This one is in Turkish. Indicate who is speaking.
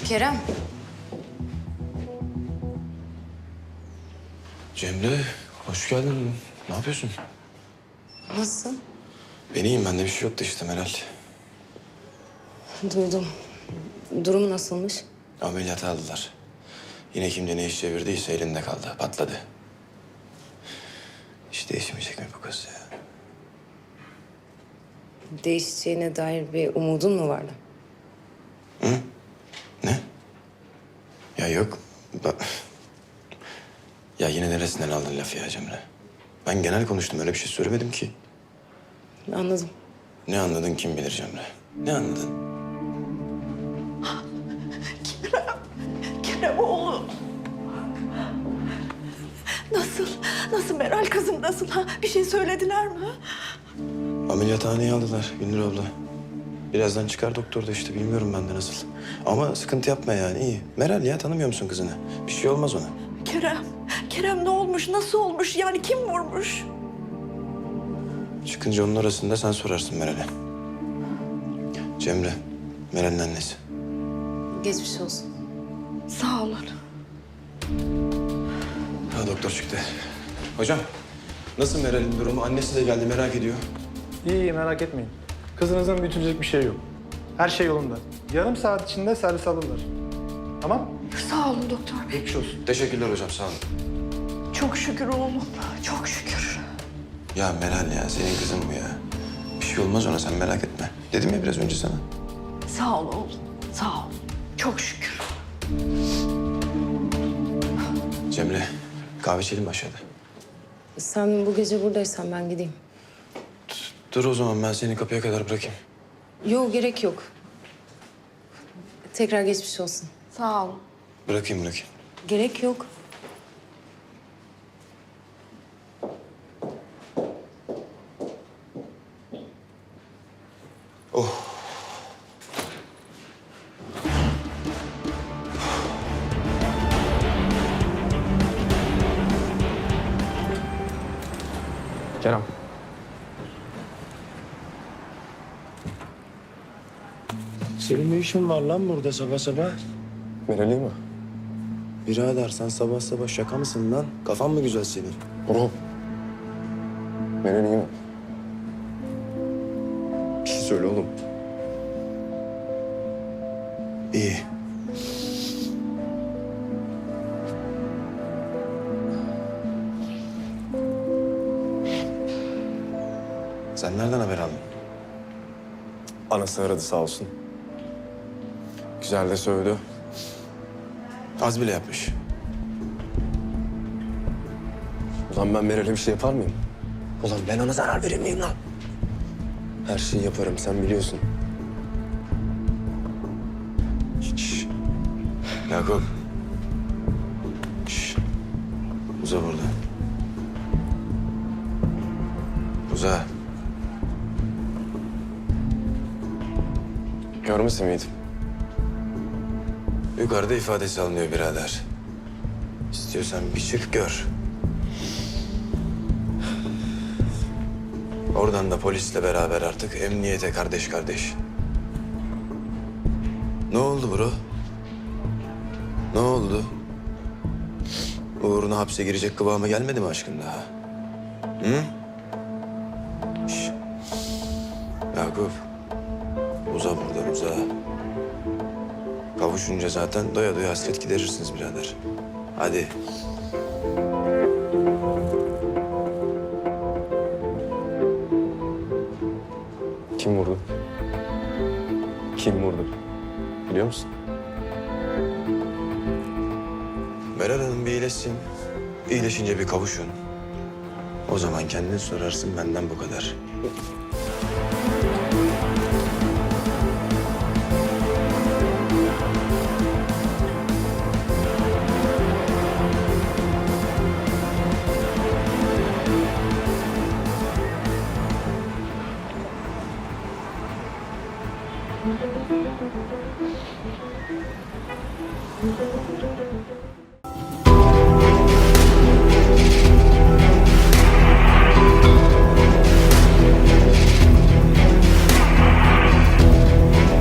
Speaker 1: Kerem.
Speaker 2: Cemre, hoş geldin. Ne yapıyorsun?
Speaker 1: Nasılsın?
Speaker 2: Ben iyiyim, bende bir şey yoktu işte Meral.
Speaker 1: Duydum. Durumu nasılmış?
Speaker 2: Ameliyata aldılar. Yine kimde ne iş çevirdiyse elinde kaldı, patladı. Hiç değişmeyecek mi bu kız ya?
Speaker 1: Değişeceğine dair bir umudun mu vardı?
Speaker 2: Ne? Ya yok. Ya yine neresinden aldın lafı ya Cemre? Ben genel konuştum, öyle bir şey söylemedim ki.
Speaker 1: Anladım.
Speaker 2: Ne anladın kim bilir Cemre? Ne anladın?
Speaker 3: Kerem oğlum. Nasıl? Nasıl Meral kızım nasıl? Ha? Bir şey söylediler mi?
Speaker 2: Ameliyathaneye aldılar Gündür abla. Birazdan çıkar doktor da işte, bilmiyorum ben de nasıl. Ama sıkıntı yapma yani, iyi. Meral ya, tanımıyor musun kızını? Bir şey olmaz ona.
Speaker 3: Kerem ne olmuş? Nasıl olmuş? Yani kim vurmuş?
Speaker 2: Çıkınca onun arasında sen sorarsın Meral'e. Cemre, Meral'in annesi.
Speaker 1: Geçmiş olsun.
Speaker 3: Sağ olun.
Speaker 2: Ha, doktor çıktı. Hocam, nasıl Meral'in durumu? Annesi de geldi, merak ediyor.
Speaker 4: İyi, merak etmeyin. Kızınızın büyütülecek bir şey yok. Her şey yolunda. Yarım saat içinde servis alırlar. Tamam?
Speaker 3: Sağ olun doktor bey.
Speaker 4: Geçmiş olsun.
Speaker 2: Teşekkürler hocam, sağ olun.
Speaker 3: Çok şükür oğlum. Çok şükür.
Speaker 2: Ya Meral ya, senin kızın bu ya. Bir şey olmaz ona, sen merak etme. Dedim ya biraz önce sana.
Speaker 3: Sağ ol oğlum. Sağ ol. Çok şükür.
Speaker 2: Cemre, kahve içelim mi aşağıda?
Speaker 1: Sen bu gece buradaysan ben gideyim.
Speaker 2: Dur o zaman, ben seni kapıya kadar bırakayım.
Speaker 1: Yok, gerek yok. Tekrar geçmiş olsun.
Speaker 3: Sağ ol.
Speaker 2: Bırakayım.
Speaker 1: Gerek yok.
Speaker 4: Kerem.
Speaker 2: Senin ne işin var lan burada sabah sabah?
Speaker 5: Meral'i mi?
Speaker 2: Birader, sen sabah sabah şaka mısın lan? Kafan mı güzel senin?
Speaker 5: Bro. Meral iyi mi? Bir şey söyle oğlum.
Speaker 2: İyi. Sen nereden haber aldın?
Speaker 5: Anası aradı sağ olsun. Güzel de sövdü.
Speaker 2: Az bile yapmış.
Speaker 5: Ulan ben Meral'e bir şey yapar mıyım? Ulan ben ona zarar verir miyim lan? Her şeyi yaparım, sen biliyorsun.
Speaker 2: Şşş. Yakup. Şşş. Uza burada. Uza.
Speaker 5: Görmesin miydim?
Speaker 2: Yukarıda ifadesi alınıyor birader. İstiyorsan bir çık gör. Oradan da polisle beraber artık emniyete kardeş kardeş. Ne oldu bro? Ne oldu? Uğruna hapse girecek kıvama gelmedi mi aşkın daha? Hı? Şş. Yakup. Uza buradan, uza. Kavuşunca zaten doya doya hasret giderirsiniz birader. Hadi.
Speaker 5: Kim vurdu? Kim vurdu? Biliyor musun?
Speaker 2: Meral Hanım bir iyileşsin. İyileşince bir kavuşun. O zaman kendin sorarsın, benden bu kadar.